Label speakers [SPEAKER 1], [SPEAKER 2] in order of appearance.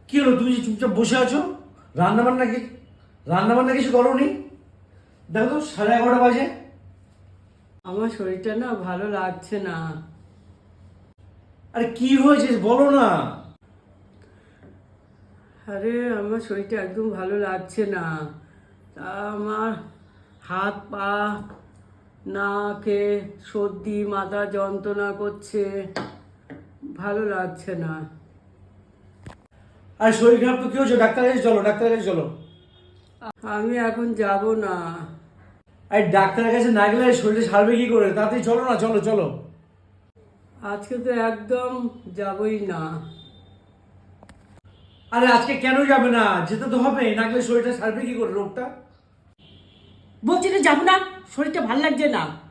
[SPEAKER 1] কি হলো, তুমি যে চুপচাপ বসে আছো? রান্না বান্না কি রান্না বান্না কিছু করোনি? দেখো তো 11:30 বাজে।
[SPEAKER 2] আমার শরীরটা না ভালো লাগছে না।
[SPEAKER 1] আরে কি হয়েছে বলো না।
[SPEAKER 2] আরে আমার শরীরটা একদম ভালো লাগছে না। তা আমার হাত পা নাকে সর্দি মাথা যন্ত্রণা করছে, ভালো লাগছে না।
[SPEAKER 1] আরে শরীর খারাপ তো কি হয়েছে? ডাক্তারের কাছে চলো, ডাক্তারের কাছে চলো।
[SPEAKER 2] আমি এখন যাব না।
[SPEAKER 1] আরে ডাক্তারের কাছে না গেলে শরীরে সারবে কি করে? তাড়াতাড়ি চলো না, চলো চলো।
[SPEAKER 2] আজকে তো একদম যাবই না।
[SPEAKER 1] আরে আজকে কেন যাবে না? যেতে তো হবে, না গেলে শরীরটা সারবে কি করে রোগটা?
[SPEAKER 2] বলছি তো যাবো না, শরীরটা ভালো লাগছে না।